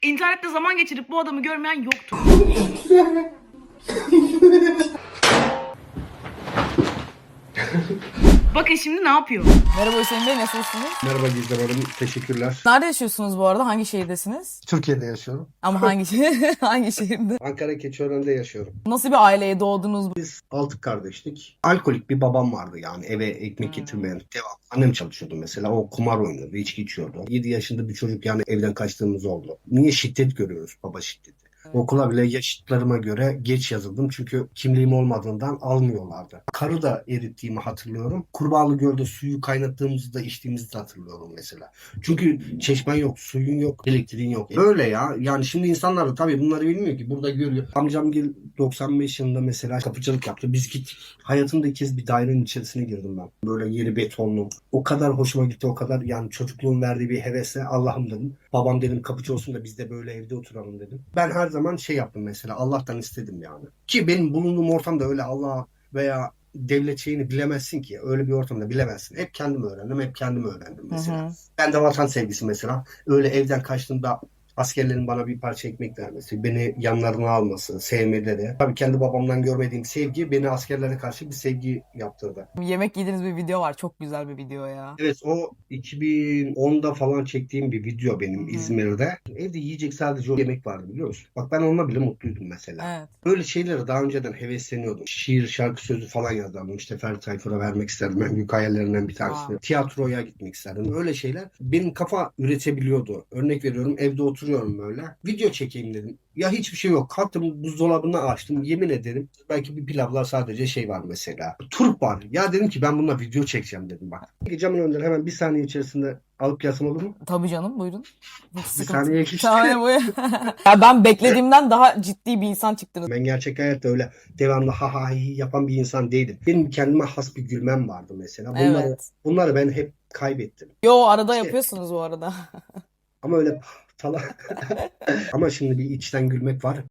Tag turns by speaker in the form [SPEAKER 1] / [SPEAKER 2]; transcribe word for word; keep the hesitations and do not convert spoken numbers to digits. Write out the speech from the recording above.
[SPEAKER 1] İnternette zaman geçirip bu adamı görmeyen yoktur. Bakın şimdi ne yapıyor?
[SPEAKER 2] Merhaba Hüseyin Bey, nasılsınız?
[SPEAKER 3] Merhaba Gizem Hanım, teşekkürler.
[SPEAKER 2] Nerede yaşıyorsunuz bu arada? Hangi şehirdesiniz?
[SPEAKER 3] Türkiye'de yaşıyorum.
[SPEAKER 2] Ama hangi şehir? Hangi şehirde?
[SPEAKER 3] Ankara Keçiören'de yaşıyorum.
[SPEAKER 2] Nasıl bir aileye doğdunuz?
[SPEAKER 3] Biz altı kardeştik. Alkolik bir babam vardı yani eve ekmek getirmeyen. Devam. Annem çalışıyordu mesela. O kumar oynuyordu, içki içiyordu. yedi yaşında bir çocuk yani evden kaçtığımız oldu. Niye şiddet görüyoruz? Baba şiddeti. Okula bile yaşıtlarıma göre geç yazıldım çünkü kimliğim olmadığından almıyorlardı. Karı da erittiğimi hatırlıyorum. Kurbağalı Göl'de suyu kaynattığımızda içtiğimizi de hatırlıyorum mesela. Çünkü çeşmen yok, suyun yok, elektriğin yok. Böyle ya. Yani şimdi insanlar da tabii bunları bilmiyor ki. Burada görüyor. Amcam doksan beş yılında mesela kapıcılık yaptı. Biz gittik. Hayatımda ilk kez bir dairenin içerisine girdim ben. Böyle yeri betonlu. O kadar hoşuma gitti. O kadar yani çocukluğun verdiği bir hevesle Allah'ım dedim. Babam dedim kapıcı olsun da biz de böyle evde oturalım dedim. Ben her zaman şey yaptım mesela. Allah'tan istedim yani. Ki benim bulunduğum ortamda öyle Allah veya devlet şeyini bilemezsin ki. Öyle bir ortamda bilemezsin. Hep kendim öğrendim. Hep kendim öğrendim mesela.
[SPEAKER 2] Hı hı.
[SPEAKER 3] Ben de vatan sevgisi mesela. Öyle evden kaçtığımda askerlerin bana bir parça ekmek vermesi, beni yanlarına alması, sevmeleri. Tabii kendi babamdan görmediğim sevgi beni askerlere karşı bir sevgi yaptırdı.
[SPEAKER 2] Yemek yediğiniz bir video var. Çok güzel bir video ya.
[SPEAKER 3] Evet o iki bin onda falan çektiğim bir video benim
[SPEAKER 2] Hı.
[SPEAKER 3] İzmir'de. Evde yiyecek sadece o yemek vardı biliyor musun? Bak ben onunla bile mutluydum mesela.
[SPEAKER 2] Evet.
[SPEAKER 3] Böyle şeylere daha önceden hevesleniyordum. Şiir, şarkı sözü falan yazardım. İşte Ferdi Tayfur'a vermek isterdim. En büyük hayallerinden bir tanesi.
[SPEAKER 2] Wow.
[SPEAKER 3] Tiyatroya gitmek isterdim. Öyle şeyler benim kafa üretebiliyordu. Örnek veriyorum evde oturuyorum böyle. Video çekeyim dedim. Ya hiçbir şey yok. Kalktım buzdolabını açtım. Yemin ederim belki bir pilavla sadece şey var mesela. Turp var. Ya dedim ki ben bununla video çekeceğim dedim bak. Camın önünden hemen bir saniye içerisinde alıp yazsam olur mu?
[SPEAKER 2] Tabii canım, buyurun. Hiç
[SPEAKER 3] Bir
[SPEAKER 2] sıkıntı.
[SPEAKER 3] saniye geçti.
[SPEAKER 2] Tamam, buyurun. Ya ben beklediğimden daha ciddi bir insan çıktınız.
[SPEAKER 3] Ben gerçek hayatta öyle devamlı ha ha hi yapan bir insan değilim. Benim kendime has bir gülmem vardı mesela. Bunları,
[SPEAKER 2] Evet.
[SPEAKER 3] bunları ben hep kaybettim.
[SPEAKER 2] Yo, arada
[SPEAKER 3] İşte,
[SPEAKER 2] yapıyorsunuz bu arada.
[SPEAKER 3] ama öyle falan. Ama şimdi bir içten gülmek var.